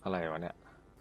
อะไรวะเนี่ย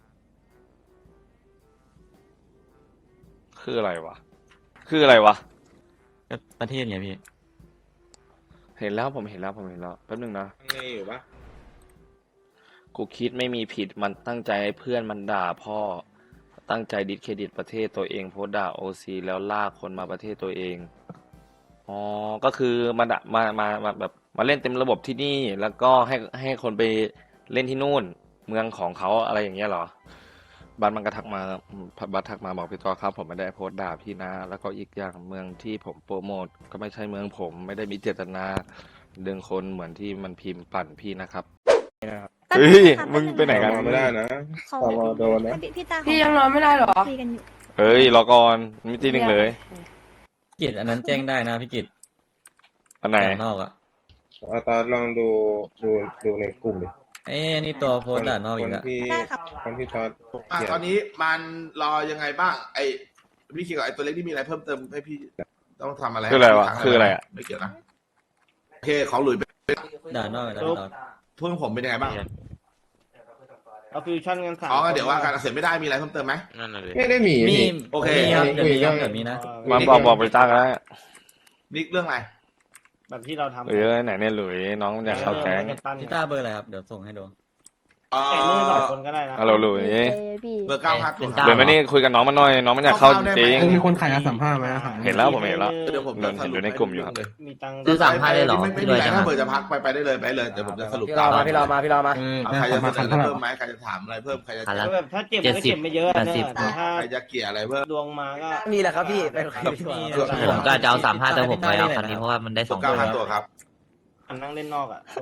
คืออะไรวะคืออะไรวะก็ประเทศไงพี่เห็นแล้วผมเห็นแล้วแป๊บนึงนะไงอยู่ปะกูคิดไม่มีผิดมันตั้งใจให้เพื่อนมันด่าพ่อตั้งใจดิสเครดิตประเทศตัวเองโพสต์ด่าโอซีแล้วลากคนมาประเทศตัวเองอ๋อก็คือมาด่ามาแบบมาเล่นเต็มระบบที่นี่แล้วก็ให้คนไปเล่นที่นู่นเมืองของเขาอะไรอย่างเงี้ยเหรอบัสมันก็ทักมาบัสทักมาบอกพี่ต่อครับผมไม่ได้โพสต์ด่าพี่นะแล้วก็อีกอย่างเมืองที่ผมโปรโมทก็ไม่ใช่เมืองผมไม่ได้มีเจตนาดึงคนเหมือนที่มันพิมพ์ปั่นพี่นะครับเฮ้ยมึงไปไหนกันไม่ได้นะเขาตมโดนนะพี่ตาพี่ยังนอนไม่ได้เหรอคุยกันอยู่เฮ้ยรอก่อนมีตีหนึ่งเลยกิจอันนั้นแจ้งได้นะพี่กิจอันไหนด่านอกอ่ะตอนลองดูในกลุ่มดิเอ้ยนี่ตัวโพสต์ด่านอกอีกคนแล้วที่ได้ครับคนที่ตอนตอนนี้มันรอยังไงบ้างไอ้พี่คิดกับไอ้ตัวเล็กที่มีอะไรเพิ่มเติมให้พี่ต้องทำอะไรคืออะไรวะให้พี่คืออะไรอ่ะไม่เกี่ยวนะโอเคของหลุยเป็นด่านนอกด่านนอกเพื่อนผมเป็นยังไงบ้างเอาฟิวชั่นกันสามอ๋อเดี๋ยวว่าการเสร็จไม่ได้มีอะไรเพิ่มเติมไหมนั่นน่ะเลยไม่ได้หมีมีโอเคมีครับเดี๋ยวมีครับเดี๋ยวมีนะมาบอกไปตั้งแล้วนี่เรื่องอะไรแบบที่เราทำเออไหนเนี่ยหลุยน้องอยากเข้าแก๊งพี่ต้าเบอร์อะไรครับเดี๋ยวส่งให้ดูแต่มือสองคนก็ได้นะฮัลโหลหลุยพี่เบอร์เก้าห้าเป็นตัวก้าเดี๋ยวมานี่คุยกับน้องมาหน่อยน้องมันอยากเข้าจริงมีคนขายสัมภาษณ์ไหมครับเห็นแล้วผมเห็นแล้วเดี๋ยวผมจะสรุปอยู่ในกลุ่มอยู่ครับมีตังค์ซื้อสามพันเลยเหรอไม่มีอะไรถ้าเบอร์จะพักไปได้เลยเดี๋ยวผมจะสรุปพี่รอมาพี่รอมาพี่รอมาเอาใครจะเสนออะไรเพิ่มไหมใครจะถามอะไรเพิ่มใครจะพันละแบบถ้าเก็บมันก็เก็บไม่เยอะนะแต่ถ้าใครจะเกลี่ยอะไรเพิ่มดวงมาก็มีแหละครับพี่ไปคุยดีกว่ามีผมก็จะเอา35แต่ผมไปเอาคันนี้เพราะว่ามันได้ตัว 2 เก้าตัวห้าตัวครับอันนั่งเล่นนอกอ่ะ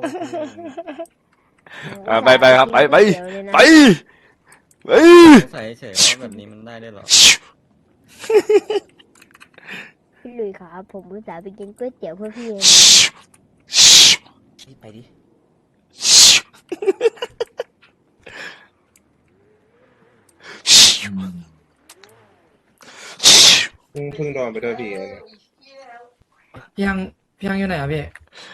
ไปครับไปไปใส่เฉยๆว่าแบบนี้มันได้ด้วยเหรอพี่หลุยครับผมอุตส่าห์ไปกินก๋วยเตี๋ยวเพื่อพี่เองไปดิเพิ่งโดนไปด้วยพี่พี่ยังอยู่ไหนอ่ะพี่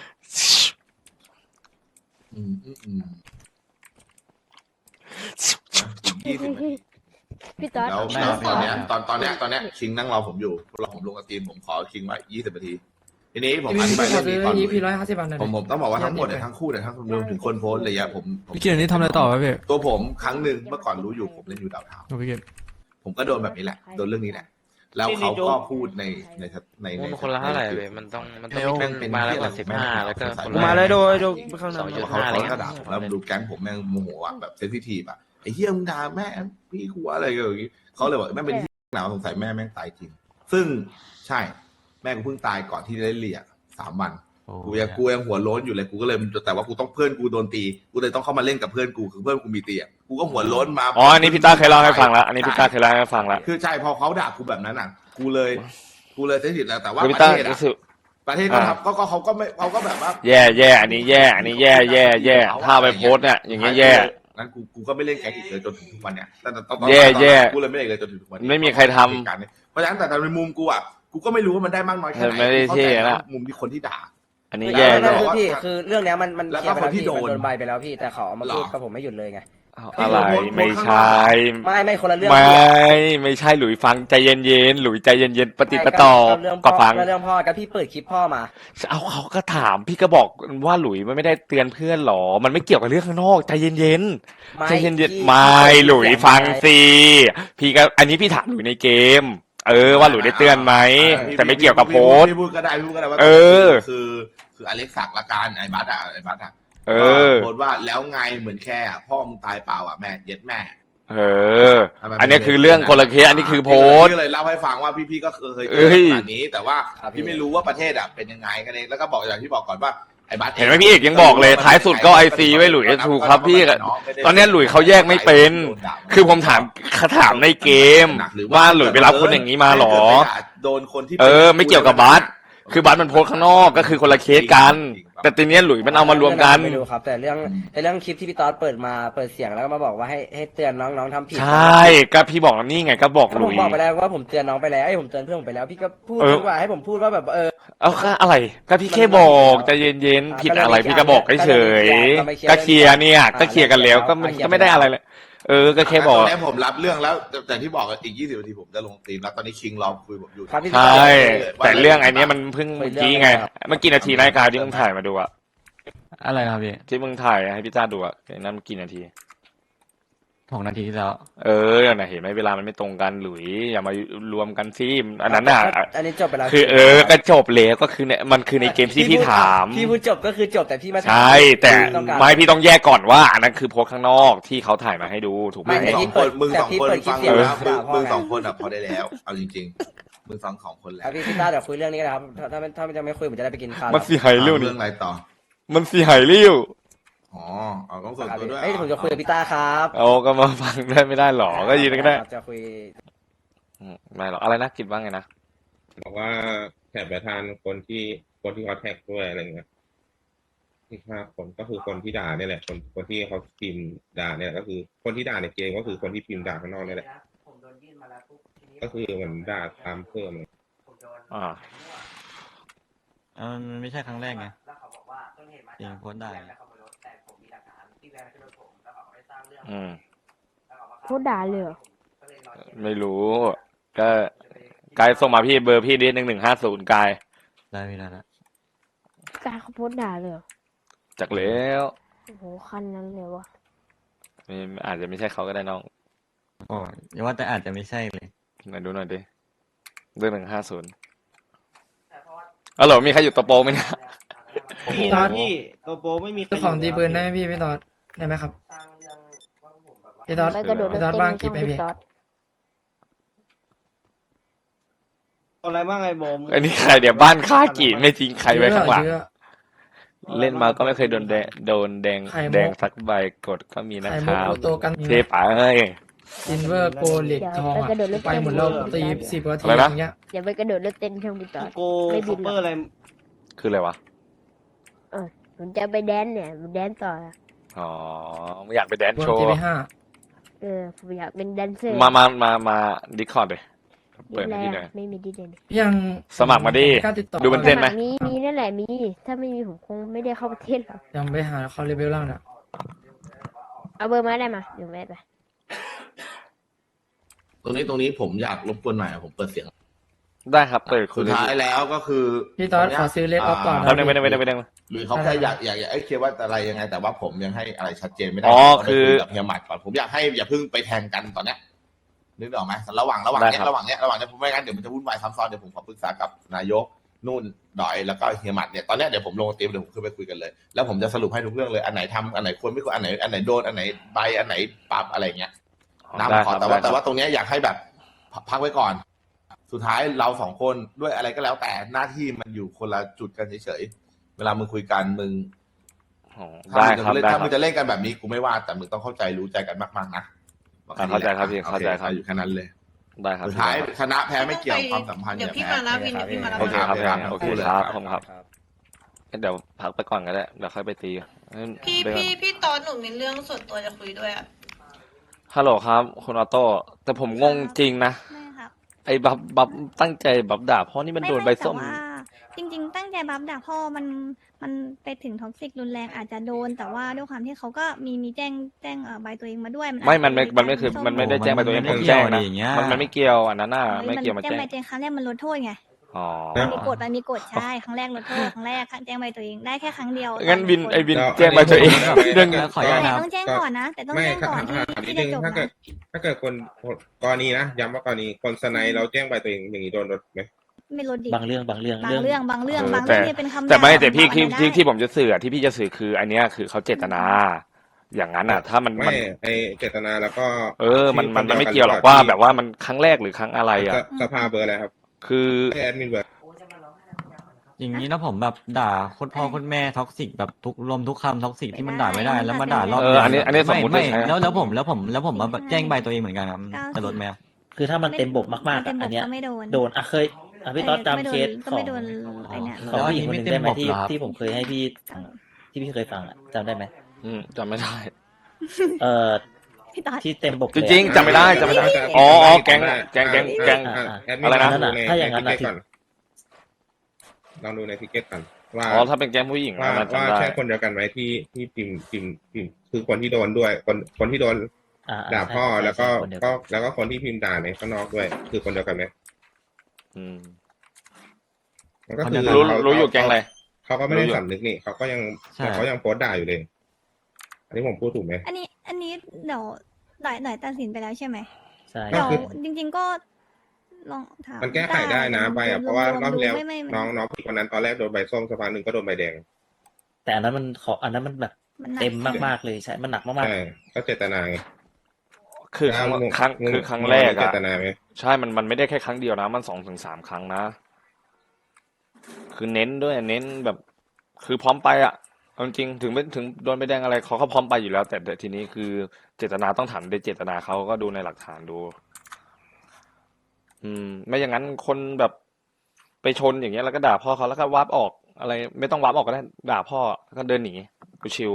20 นาทีพี่ต๊อดแล้วตอนเนี้ยคิงนั่งรอผมอยู่รอผมลงกับทีมผมขอคิงไว้20 นาทีทีนี้ผมอธิบายเรื่องนี้ก่อนพี่150 บาทหน่อยผมต้องบอกว่าทั้งหมดเนี่ยทั้งคู่เนี่ยทั้งรวมถึงคนโพสต์เลยอะผมพี่เกียรตินี่ทำอะไรต่อวะพี่ตัวผมครั้งหนึ่งเมื่อก่อนรู้อยู่ผมเล่นอยู่ดาวเทาพี่เกียรติผมก็โดนแบบนี้แหละโดนเรื่องนี้แหละแล้วเขาก็พูดในมันคนละเท่าไหร่เว้ยมันต้องมีมาแล้วกว่า15แล้วก็คนละมาเลยดูข้างหน้าเขาก็ด่าผมแล้วดูแก๊งผมแม่งโมโหอ่ะแบบเซนซิทีฟอ่ะไอ้เหี้ยมึงด่าแม่พี่กูอะไรอย่างงี้เขาเลยบอกแม่งเป็นที่หนาวสงสัยแม่งตายจริง ซึ่งใช่แม่กูเพิ่งตายก่อนที่จะได้เรียก3 วันกูยังหัวโล้นอยู่เลยกูก็เลยแต่ว่ากูต้องเพื่อนกูโดนตีกูเลยต้องเข้ามาเล่นกับเพื่อนกูคือเพื่อนกูมีตีอ่ะกูก็หัวโล้นมาอ๋ออันนี้พี่ต้าเคยเล่าให้ฟังแล้วอันนี้พี่ต้าเคยเล่าให้ฟังแล้วคือใช่พอเขาด่ากูแบบนั้นอ่ะกูเลยเซนซิทีฟแล้วแต่ว่าคือปพี่ระต้าเทศรู้อ่ะสึกประเทศก็ทำก็เขาก็ไม่เขาก็แบบว่าแย่อันนี้แย่ถ้าไปโพสต์เนี่ยอย่างเงี้ยแย่นั้นกูก็ไม่เล่นแก๊งอีกเลยจนถึงทุกวันเนี่ยแต่ตอนแย่กูเลยไม่เล่นเลยจนถึงทุกวันนี้ไม่มีใครทำเหตุการณ์นี้เพราะฉะนั้นแต่ในมุมกูอ่ะกูก็ไม่รู้ว่ามันได้มากน้อยแค่ไหนไม่ได้เท่นะมุมที่คนที่ด่าอันนี้ไม่แย่ไม่แย่คือพี่คือเรื่องเนี้ยมันแล้วเคก็ลียร์ไปแล้วคนที่พี่โดนมันโดนใบไปแล้วพี่แต่เขาเอามาพูดกับผมไม่หยุดเลยไงอะไรไม่ใช่ไม่คนละเรื่องไม่ใช่หลุยฟังใจเย็นๆหลุยใจเย็นๆปฏิปต่อก็ฟังเรื่องพ่อกับพี่เปิดคลิปพ่อมาเอาเขาก็ถามพี่ก็บอกว่าหลุยมันไม่ได้เตือนเพื่อนหรอมันไม่เกี่ยวกับเรื่องข้างนอกใจเย็นๆใจเย็นๆไม่หลุยฟังสิพี่ก็อันนี้พี่ถามหลุยในเกมว่าหลุยได้เตือนไหมแต่ไม่เกี่ยวกับโพสต์พี่พูดก็ได้ว่าคืออเล็กซ์ศักดิ์ละกันไอ้บัสอ่ะโพสต์ว่าแล้วไงเหมือนแค่พ่อมึงตายเปล่าอ่ะแม่เย็ดแม่อันนี้คือเรื่องคนละเคสอันนี้คือโพสต์ก็เลยเล่าให้ฟังว่าพี่ก็เคยเจอขนาดนี้แต่ว่าพี่ไม่รู้ว่าประเทศอ่ะเป็นยังไงกันเองแล้วก็บอกอย่างที่บอกก่อนว่าไอ้บัสเห็นไหมพี่เอกยังบอกเลยท้ายสุดก็ไอซีไว้หลุยถูกครับพี่ตอนนี้หลุยเขาแยกไม่เป็นคือผมถามในเกมว่าหลุยไปรับคนอย่างนี้มาหรอโดนคนที่ไม่เกี่ยวกับบัสคือบัสมันโพสต์ข้างนอกก็คือคนละเคสกัน แต่ทีเนี้ยหลุยมันเอามารวมกันไม่รู้ครับ แต่เรื่องคลิปที่พี่ต๊อดเปิดมาเปิดเสียงแล้วก็มาบอกว่าให้เตือนน้องๆทำผิดใช่ก็พี่บอกแล้วนี่ไงก็บอกก็หผลุมยบอกไปแล้วว่าผมเตือนน้องไปแล้วผมเตือนเพื่อนผมไปแล้วพี่ก็พูดเออดีกว่าให้ผมพูดว่าแบบเอาค่าอะไรก็พี่แค่บอกใจเย็นๆผิดอะไรพี่ก็บอกเฉยๆก็เคลียร์เนี่ยก็เคลียร์กันแล้วก็ไม่ได้อะไรเลยก็แค่บอกตอนนี้ผมรับเรื่องแล้วแต่ที่บอกอีก20 นาทีผมจะลงตีมแล้วตอนนี้คิงรอคุยผมอยู่ครับพี่ใช่แต่เรื่องไอ้เนี้ยมันเพิ่งเมื่อกี้ไงเมื่อกี้นาทีรายการที่มึงถ่ายมาดูอะอะไรครับพี่ที่มึงถ่ายให้พี่จ้าดูอะไอ้นั่นกี่นาที 6 นาทีที่แล้วน่ะเห็นไหมเวลามันไม่ตรงกันหลุยอย่ามารวมกันซิอันนั้นน่ะอันนี้จบไปแล้วคือก็จบแล้วก็คือเนี่ยมันคือในเกมที่พี่ถามพี่พูดจบก็คือจบแต่พี่มาถามใช่แต่ต้องการไม่พี่ต้องแยกก่อนว่าอันนั้นคือโพสต์ข้างนอกที่เขาถ่ายมาให้ดูถูกไหมไม่มึงสองคนฟังแต่พี่เปิดแล้วคลิปเสียงมึงด่าพ่อไงสองคนอะพอได้แล้วเอาจริงๆมึงสองคนแล้ครับวพี่ต้าเดี๋ยวคุยเรื่องนี้กันนะครับถ้าจะไม่คุยผมจะได้ไปกินข้าวมันเสียหายเร็วเรื่นี่องอะไรต่อมันเสียหายเร็วอ๋อเอาต้องส่วนครับตัวด้วยเอ้ยผมจะคุยกับพี่ต้าครับเอาก็มาฟังได้ไม่ได้หรอก็ยืนก็ได้จะคุยไม่หรอกอะไรนะคิดว่าไงนะบอกว่าแถบประธานคนที่เขาแท็กด้วยอะไรเงี้ยที่ฆ่าคนก็คือคนที่ด่าเนี่ยแหละคนที่เขาพิมพ์ด่าเนี่ยก็คือคนที่ด่าในเกมก็คือคนที่พิมพ์ด่าข้างนอกเนี่ยแหละก็คือเหมือนด่าตามเพิ่มเลยมันไม่ใช่ครั้งแรกไงจริงโพสต์ได้พูดด่าเลยเหรอไม่รู้ ก็กายส่งมาพี่เบอร์พี่ดิ1150กายได้ไม่ได้ละการเขาพูดด่าเลยเหรอจากแล้วโอ้โหคันนั้นเลยวะอาจจะไม่ใช่เขาก็ได้น้องโอ้อย่าว่าแต่อาจจะไม่ใช่เลยไหนดูหน่อยดิเรื่อง150อ๋อเหรอมีใครอยู่ตัวโปรไหมเนี่ยพี่ตอดพี่โกโปไม่มีเจ้าของตีปืนได้ไหมพี่ตอดได้ไหมครับพี่ตอดไปกระโดดพี่เล่นตอดเต้นบ้างในกี่ช่องไปพี่พี่ต๊อดอะไรบ้างไอ้บอมอันนี้ใครเดี๋ยวบ้านค่ากี่ไม่จริงใครไว้ข้างหลังเยอะเล่นมาก็ไม่เคยโดนแดงไข่มุกแดงสักใบกดก็มีนะไข่คมุกรับโตกันเทปเอ้ยซินเวอร์โกเหล็กทองอะไปหมดแล้วตี10 นาทีอะไรนะอย่างเงี้ยอย่าไปกระโดดเล่นเต้นช่องพี่ต๊อดโกไม่บินหรอกคืออะไรวะผมจะไปแดนเนี่ยแดนต่ออะอ๋อไม่อยากไปแดนบนโชว์ TV5 ผมอยากเป็นแดนเซอร์มาดิคอร์ดเลยดิเปิดแลให้พี่หน่อยไม่มีดิเลยยังสมัครมาดิกล้าติดต่อดูมันเต้นไหมมีนั่นแหละมี ถ้าไม่มีผมคงไม่ได้เข้าประเทศหรอกยังไปหาคอลเลเวลล่างน่ะเอาเบอร์มาได้มาเดี๋ยวแม่ไปตรงนี้ผมอยากรบกวนหน่อยผมเปิดเสียงได้ครับเปิดคุสุณดท้ายแล้วก็คือพี่ตอดขอซื้อเลดออฟก่อนแป๊บนึงไม่ได้หรือเขาแค่อยากเคลียร์ว่าอะไรยังไง แต่ว่าผมยังให้อะไรชัดเจนไม่ได้อ๋อผมคือได้ยกับเฮียหมัดก่อนผมอยากให้อย่าเพิ่งไปแทงกันตอนเนี้ยนึกออกไหมระหว่างเนี้ยผมไม่งั้นเดี๋ยวมันจะวุ่นวายซ้ำซ้อนเดี๋ยวผมขอปรึกษากับนายกนู่นดอยแล้วก็เฮียหมัดเนี่ยตอนเนี้ยเดี๋ยวผมลงตีมเดี๋ยวผมขึ้นไปคุยกันเลยแล้วผมจะสรุปให้ทุกเรื่องเลยอันไหนทำอันไหนควรไม่ควรอันไหนโดนอันไหนใบอันไหนปรับอะไรเงี้ยได้น้ำขอครับแต่ได้ครับว่าตรงเนี้ยอยากให้แบบพักไว้ก่อน สุดท้ายเราสองคนด้วยอะไรก็แล้วแต่หน้าที่มันอยู่คนละจุดกันเฉยๆเวลามึงคุยกันมึงอ๋อถ้าได้ครับมึงได้ถ้าคมึรับงจะเล่นกันแบบนี้กูไม่ว่าแต่มึงต้องเข้าใจรู้ใจกันมากๆนะเข้าใจครับพี่เข้าใจครับอยู่แค่นั้นเลยได้ครับสุดท้ายชนะแพ้ไม่เกี่ยวความสัมพันธ์เดี๋ยวเนี่ยพี่แพ้มานะวินเดี๋ยวพี่มานะโอเคครับครับโอเคครับผมครับเดี๋ยวพักไปก่อนก็ได้เดี๋ยวค่อยไปตีพี่ตอนหนูมีเรื่องส่วนตัวจะคุยด้วยอ่ะฮัลโหลครับคุณออโต้แต่ผมงงจริงนะไม่ครับไอ้บับตั้งใจบับด่าเพราะนี่มันโดนใบส้มแต่ว่าจริง ๆ ตั้งใจบัฟด่าพ่อมันไปถึงท็อกซิกรุนแรงอาจจะโดน แต่ว่าด้วยความที่เขาก็มีแจ้งใบตัวเองมาด้วยไม่อาจจะมันไม่คือส้มันไม่ได้แจ้งไปตัวเองมันผมไม่แจ้งเกี่ยวนะดิอย่างเงี้ยมันไม่เกี่ยวอันนั้นน่ะเฮ้ยไม่เกี่ยวมาแจ้งแจ้งใบตัวเองครั้งแรกมันลดโทษไงอ๋อมันมีกฎใช่ครั้งแรกลดโทษครั้งแรกแจ้งใบตัวเองได้แค่ครั้งเดียวงั้นวินต่ไอ้วินแล้วแจ้งใบตัวเองอันนี้ผมเรื่องขออนุญาตแต่ครับต้องแจ้งก่อนนะแต่ต้องไม่แจ้งก่อนถามนิที่ดนึงจะจบถ้าเกิดนะถ้าเกิดคนกรณีนะย้ำว่ากรณีคนสไนเราแจ้งไปตัวเองอย่างนี้โดนลดไหมไม่ลดดิบางเรื่องบางเรื่องที่เป็นคำแต่ไม่ด่าแต่พี่อันนั้นได้ที่ผมจะสื่อที่พี่จะสื่อคือ อันเนี้ยคือเขาเจตนา อย่างนั้นอ่ะ ถ้ามันไม่ไอเจตนาแล้วก็มันไม่เกี่ยวหรอกว่าแบบว่ามันครั้งแรกหรือครั้งอะไรอ่ะสภาเบอร์อะไรครับคือให้แอดมินเบอร์อย่างนี้นะผมแบบด่าโคตรพ่อโคตรแม่ท็อกซิกแบบทุกลมทุกคำท็อกซิกที่มันด่าไม่ได้แล้วมาด่ารอบอันนี้สมมติไม่ใช่แล้วผมมาแจ้งใบตัวเองเหมือนกันครับจะลดไหมคือถ้ามันเต็มบกมากๆอันเนี้ยโดนเคพี่ต๊อดจำเคสก็ไม่โดนไอ้เนี่ยของผู้หญิงคนหนึ่งได้ไหมที่ผมเคยให้พี่ที่พี่เคยฟังอ่ะจำได้ไหมจำไม่ได้พี่ต๊อดที่เต็มบกจริงๆจำไม่ได้จำไม่ได้ อ๋อแก๊งแอดมินอะไรนะลงดูถ้าอย่างนั้นในน่ะทิกเก็ตก่อนลองดูในทิกเก็ตก่อนว่าอ๋อถ้าเป็นแก๊งผู้หญิงว่ามันว่าจำได้ใช่คนเดียวกันไหมที่พิมพ์คือคนที่โดนด้วย คนที่โดนด่าพ่อแล้วก็แล้วก็คนที่พิมพ์ด่าในข้างนอกด้วย คือคนเดียวกันไหมอืมมันก็คือรู้อยู่แก๊งอะไรเขาก็ไม่ได้สำนึกนี่เขาก็ยังใช่เขายังโพสต์ด่าอยู่เลย อันนี้ผมพูดถูกไหมอันนี้เดี๋ยวหน่อยตัดสินไปแล้วใช่ไหมใช่ก็เดี๋ยวคือจริง ๆก็ลองถามมันแก้ไขได้นะไปอ่ะเพราะว่ารอบที่แล้วไม่น้องผู้หญิงคนนั้นตอนแรกโดนใบส้มสักพักหนึ่งก็โดนใบแดงแต่อันนั้นมันแบบมันหนักเต็มมากๆเลยใช่ มันหนักมากใช่ก็เจตนาไงคือครั้งแรกเจอะตนาไหมใช่มันไม่ได้แค่ครั้งเดียวนะ มัน2 ถึง 3 ครั้งนะ คือเน้นด้วยเน้นแบบ คือพร้อมไปอะเอาจริงๆถึงโดนใบแดงอะไรเขาก็พร้อมไปอยู่แล้ว แต่ทีนี้คือเจตนาต้องถามในเจตนาเขาก็ดูในหลักฐานดู ไม่อย่างนั้นคนแบบไปชนอย่างเงี้ยแล้วก็ด่าพ่อเขาแล้วก็วาร์ปออกอะไร ไม่ต้องวาร์ปออกก็ได้ด่าพ่อแล้วก็เดินหนีกูชิว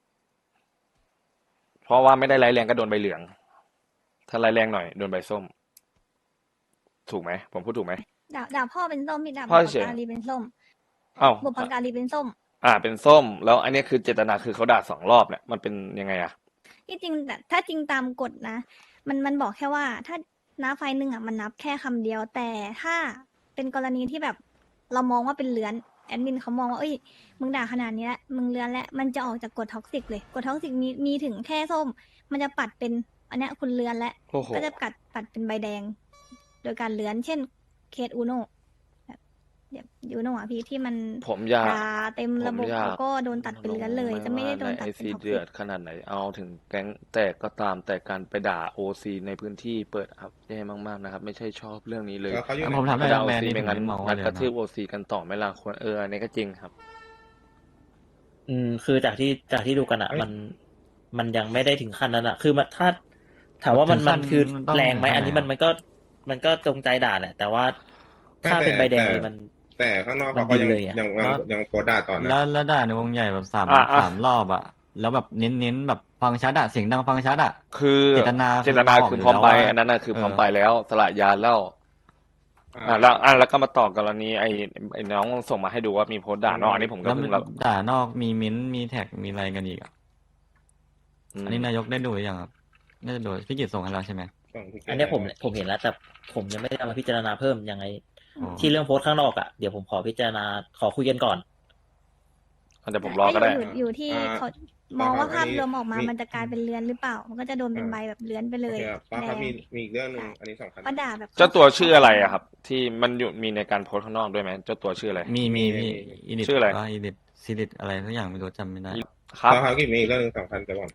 เพราะว่าไม่ได้ร้ายแรงก็โดนใบเหลือง ถ้าร้ายแรงหน่อยโดนใบส้ม ถูกไหมผมพูดถูกไหมด่าพ่อเป็นส้มพี่ด่าพ่บุอพเฉยการีเป็นส้มอ้าวบุพการีเป็นส้มเป็นส้ม แล้วอันนี้คือเจตนาคือเขาด่า2 รอบเนี่ยมันเป็นยังไงอะที่จริงแต่ถ้าจริงตามกฎนะ มันบอกแค่ว่าถ้านับไฟล์หนึ่งอ่ะมันนับแค่คำเดียว แต่ถ้าเป็นกรณีที่แบบเรามองว่าเป็นเลื้อนแอดมินเขามองว่าเอ้ยมึงด่าขนาดนี้แล้วมึงเลื้อนแล้วมันจะออกจากกฎท็อกซิกเลยกฎท็อกซิกมีถึงแค่ส้ม มันจะปัดเป็นอันเนี้ยคุณเลื้อนแล้วโอ้โหก็จะปัดเป็นใบแดง โดยการเลื้อนเช่นเคสอูโน่แบบอูโน่อะพี่ที่มันผมอยากด่าเต็มระบบผมอยากแล้วก็โดนตัดเป็นเลื้อนเลย จะไม่ได้โดนตัดไอเป็นซีท็อกเดืซิอดกขนาดไหนเอาถึงแก๊งแตกก็ตามแต่การไปด่าโอซีในพื้นที่เปิดครับแย่มากๆนะครับ ไม่ใช่ชอบเรื่องนี้เลยแล้วเขาอยู่ไหนผมถามได้ด่าโอแมนซีนี่ไม่งั้นผมไม่มองงัว่าดเลยกระทืบนะโอซีกันต่อไม่ล่ะควรอันนี้ก็จริงครับคือจากที่ดูกันอ่ะเอ้ยมันยังไม่ได้ถึงขั้นนั้นอ่ะ คือมันถ้าถามว่ามันถึงขั้นคือมันต้องแรงไหมเท่าไหร่อันนี้มันก็จงใจด่าแหละแต่ว่าถ้าเป็นใบแดงเลยมันแต่ข้างนอกมันเขาก็ยังดีเลยอะยังโพสต์ด่าต่อนะแล้วด่าในวงใหญ่แบบสามอ่ะรอบอะแล้วแบบเน้นแบบฟังชัดอะเสียงดังฟังชัดอะคือเจตนาเจตนาคือคือพร้อมไปบอกอยู่แล้วว่าอันนั้นน่ะคือพร้อมเออไปแล้วสละยานแล้วแล้วก็มาต่อกรณีไอ้น้องส่งมาให้ดูว่ามีโพสต์ด่าน้องอันนี้ผมก็แล้วเพิ่งรับด่านอกมีมิ้นท์มีแท็กมีอะไรกันอีกอะอันนี้นายกได้ดูหรือยังครับน่าจะดูพี่กิตส่งให้เราใช่ไหมอันเนี้ยผมเห็นแล้วแต่ผมยังไม่ได้เอามาพิจารณาเพิ่มยังไงอ๋อที่เรื่องโพสต์ข้างนอกอ่ะเดี๋ยวผมขอพิจารณาขอคุยกันก่อนเดี๋ยวผมรอก็ได้อยู่ที่อ่าเขามองว่าอัภาพนนี้รวมออกมามีมันจะกลายเป็นเลือนหรือเปล่า มันก็จะโดนเป็นใบแบบเลือนไปเลโอย เคครับป้าแดครับงมีอีกเรื่องหนึ่งอันนี้สำคัญก็ด่าแบบเจ้าตัวชื่ออะไรอะครับ ที่มันอยู่มีในการโพสต์ข้างนอกด้วยไหมเจ้าตัวชื่ออะไรมีมีอีดิทชื่ออะไรอีดิทซีดิทอะไรทุกอย่างไม่รู้จำไม่ได้ครับป้าครับมีอีกเรื่องหนึงสำคัญจะบอก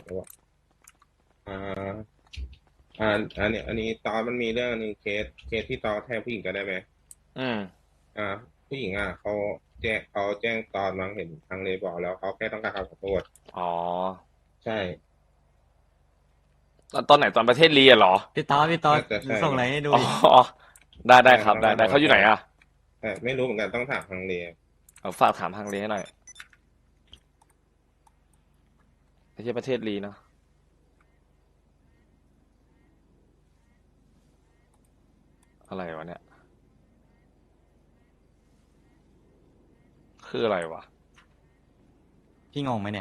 อันนี้ตอนมันมีเรื่องหนึงเคสที่ตอนแทงผู้หญิงกันได้ไหมอืมผู้หญิงเขาแจ้งตอนมั้งเห็นทางเลบอกแล้วเขาแค่ต้องการคำขอโทษอ๋อใช่ตอนไหนตอนประเทศลีอะเหรอพี่ต๊อดน่าจะใช่ส่งอะไรให้ดูอ๋ดิอได้ครับได้เขาอยู่ไหนอะแต่ไม่รู้เหมือนกันต้องถามทางเลเอาฝากถามทางลีให้หน่อยไม่ใช่ประเทศลีเนาะอะไรวะเนี่ย คืออะไรวะพี่งงไหมเนี่ย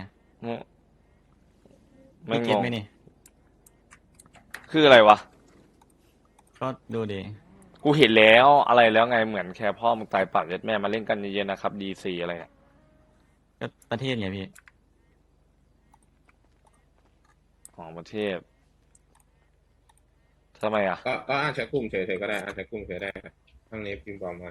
ไม่พี่งเก็ตงไหมนี่คืออะไรวะก็ดูดิกูเห็นแล้วอะไรแล้วไงเหมือนแค่พ่อมึงตายปากยัดแม่มาเล่นกันเย็นๆนะครับดีซีอะไรอะก็ประเทศไงพี่ของประเทศทำไมอ่ะก็อ่านแชทกลุ่มเฉยๆก็ได้อ่านแชทกลุ่มเฉยได้ทางเลพิมพ์บอกมา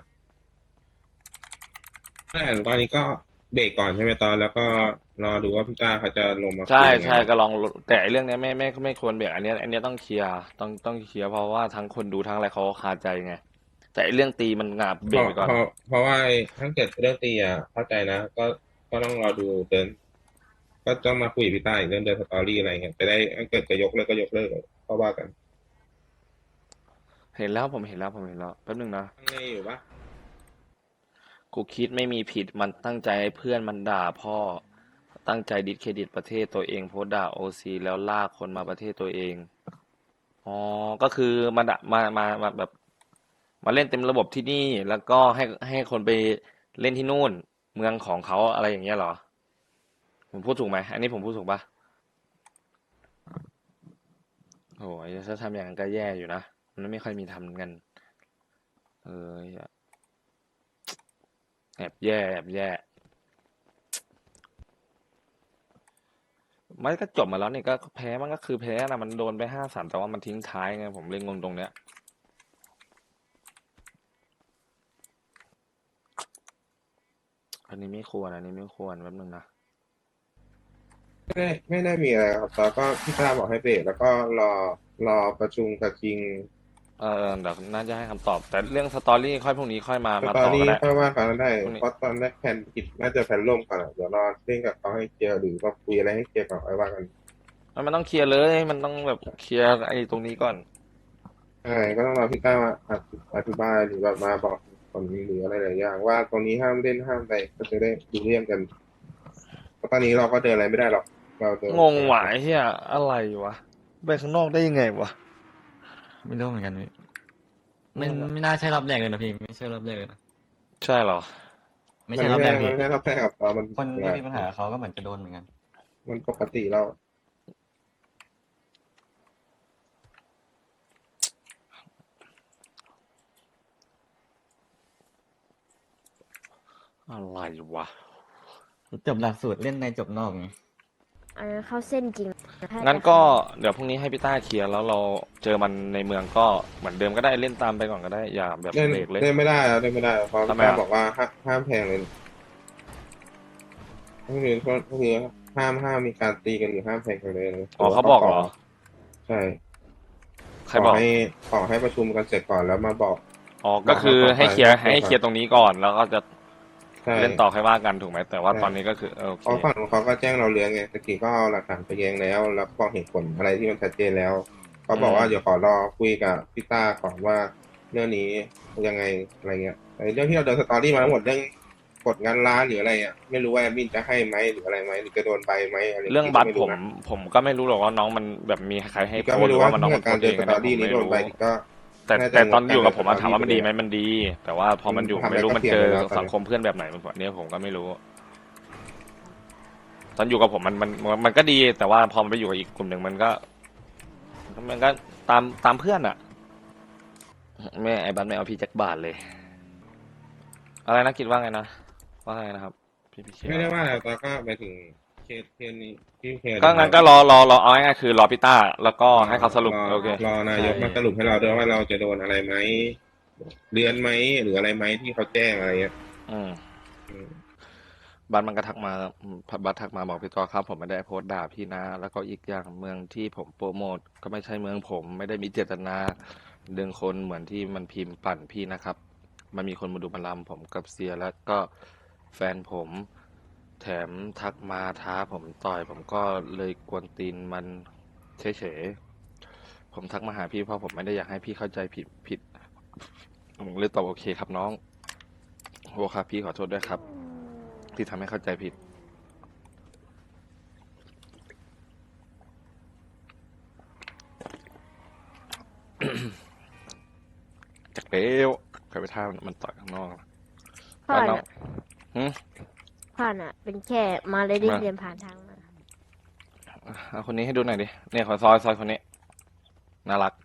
แต่ตอนนี้ก็เบรกก่อนใช่ไหมตอนแล้วก็รอดูว่าพี่ต้าเขาจะลงมาใช่คุยยังไงใช่ก็ลองแต่ไอ้เรื่องเนี้ยไม่ควรเบรกอันเนี้ยต้องเคลียร์ต้องเคลียร์เพราะว่าทั้งคนดูทั้งอะไรเขาคาใจไงแต่ไอ้เรื่องตีมันงาบเบรกไปก่อนเพราะว่าถ้าเกิดเรื่องตีเข้าใจนะก็ต้องรอดูเดิน ก็ต้องมาคุยกับพี่ต้าอีกเรื่องเดินสตอรี่อะไรเงี้ยจะได้ถ้าเกิดจะยกเลิกก็ยกเลิกก็ว่ากันเห็นแล้วผมเห็นแล้วแป๊บนึงนะข้างในอยู่ปะกูคิดไม่มีผิดมันตั้งใจให้เพื่อนมันด่าพ่อ ตั้งใจดิสเครดิตประเทศตัวเองโพสต์ด่าโอซีแล้วลากคนมาประเทศตัวเอง อ๋อ ก็คือมาด่ามาแบบ มาเล่นเต็มระบบที่นี่ แล้วก็ให้คนไปเล่นที่นู่น เมืองของเขาอะไรอย่างเงี้ยเหรอ ผมพูดถูกไหม อันนี้ผมพูดถูกปะโอ้ยถ้าทำอย่างนั้นก็แย่อยู่นะ มันไม่ค่อยมีทำกัน เออแอบแย่ไม่ก็จบมาแล้วนี่ก็แพ้มันก็คือแพ้นะมันโดนไป5-3แต่ว่ามันทิ้งท้ายไงผมเลยงงตรงเนี้ยอันนี้ไม่ควรแป๊บนึงนะไม่ได้มีอะไรครับแล้วก็พี่ต้าบอกให้เบรกแล้วก็รอประชุมกับคิงเดี๋ยวน่าจะให้คำตอบ แต่เรื่องสตอรี่ค่อยพรุ่งนี้ค่อยมาตต่อนอนี้ก็ได้ค่อยว่ากันได้พรุ่งนี้เพราะตอนแรกแผนกิจน่าจะแผนร่วมกันอะเดี๋ยวรอเล่นกับเขาให้เคลียร์หรือว่าคุยอะไรให้เคลียร์ก่อนไว้ว่ากันมันต้องเคลียร์เลย มันต้องแบบเคลียร์ไอ้ตรงนี้ก่อนใช่ก็ต้องรอพี่ต้ามาอธิบายหรือแบบมาบอกผลหรืออะไรหลายอย่างว่าตรงนี้ห้ามเล่นห้ามอะไรก็จะได้ดูเรื่องกันเพราะตอนนี้เราก็เดินอะไรไม่ได้หรอกเราเดินงงหวายเฮียอะไรวะ ไปข้างนอกได้ยังไงวะไม่รู้เหมือนกันพี่ไม่น่าใช่รอบแรกเลยนะพี่ไม่ใช่รอบแรกเลยนะใช่เหรอไม่ใช่รอบแรกพี่มันไม่ได้รอบแรกกับเรามันคนที่มีปัญหากับเขาก็เหมือนจะโดนเหมือนกันมันปกติเราอะไรวะจบหลักสูตรเล่นในจบนอกไงอันนั้นเข้าเส้นจริงถ้างั้นก็เดี๋ยวพรุ่งนี้ให้พี่ต้าเคลียร์แล้วเราเจอมันในเมืองก็เหมือนเดิมก็ได้เล่นตามไปก่อนก็ได้อย่าแบบเล่นเบรกเลยเล่นไม่ได้เล่นไม่ได้เพราะทำไมพี่อ่ะต้าบอกว่าห้ามแพงเลยก็คือห้ามมีการตีกันหรือห้ามแพงกันเลยอ๋อเขาบอกเหรอใช่ใครบอกขอให้ประชุมกันเสร็จก่อนแล้วมาบอกอ๋อก็คือให้เคลียร์บอกให้เคลียร์ตรงนี้ก่อน แล้วก็จะใช่เล่นต่อค่อยว่ากันถูกไหมแต่ว่าใช่ตอนนี้ก็คือโอเคเพราะฝั่งของเขาก็แจ้งเราเรื่องไงตะกี้ก็เอาหลักฐานไปแย้งแล้วแล้วก็เหตุผลอะไรที่มันชัดเจนแล้วเขาบอกว่าเดี๋ยวขอรอคุยกับพี่ต้าก่อนว่าเรื่องนี้ยังไงอะไรเงี้ยไอ้เรื่องที่เราเดินสตอรี่มาทั้งหมดเรื่องกดงานร้านหรืออะไรอ่ะไม่รู้ว่าแอดมินจะให้ไหมหรืออะไรไหมหรือจะโดนใบไหมอะไรเรื่องบัตรไผมก็ไม่รู้หรอกว่าน้องมันแบบมีใครให้ก็โพสไม่ต์หรืรู้อว่าว่ามันน้องเรื่มัอน งโพการสต์เดิเอน งสอันตนี้อผมรี่นี้ไม่โดนรู้ใบก็แต่ตอนอยู่กับผมน่าจะถามว่ามันดีไหมการมันดี แต่ว่าพอมันอยู่ทำอะไรไม่รู้ก็มันเถียงเจอกันแล้วตอนนี้สังคมเพื่อนแบบไหนอันนี้ผมก็ไม่รู้ ตอนอยู่กับผมมันก็ดี แต่ว่าพอมันไปอยู่กับอีกกลุ่มหนึ่งมันก็ตามเพื่อนอะแม่ไอ้บัตไม่เอาพี่แจ็คบาทเลย อะไรนะคิดว่าไงนะว่าไงนะครับ พี่เขียวไม่ได้ว่าอะไรแต่ก็ไปถึงเคสนี้ที่เคสก็งั้นก็รอเอาง่ายๆคือรอพี่ต้าแล้วก็ให้เขาสรุปโอเครอนายกมาสรุปให้เราด้วยว่าเราจะโดนอะไรไหมเดือนไหมหรืออะไรไหมที่เขาแจ้งอะไรเงี้ยอืมอืมบัสมันก็ทักมาบัสทักมาบอกพี่ต่อครับ ผมไม่ได้โพสต์ด่าพี่นะ แล้วก็อีกอย่างเมืองที่ผมโปรโมทก็ไม่ใช่เมืองผมไม่ได้มีเจตนาดึงคนเหมือนที่มันพิมพ์ปั่นพี่นะครับ มันมีคนมาดูบัลลัมผมกับเซียแล้วก็แฟนผม แถมทักมาท้าผมต่อย ผมก็เลยกวนตีนมันเฉยๆผมทักมาหาพี่เพราะผมไม่ได้อยากให้พี่เข้าใจผิดผมเลยตอบโอเคครับน้องโอครับพี่ขอโทษด้วยครับ ที่ทำให้เข้าใจผิด จากเร็วใครไปท่ามันต่อยข้างนอกผ่านแล้วอ่ะหืมผ่านอ่ะ เป็นแค่มาเลยได้มาเรียนผ่านทางมาเอาคนนี้ให้ดูหน่อยดิเนี่ยขอซอยคนนี้ น่ารัก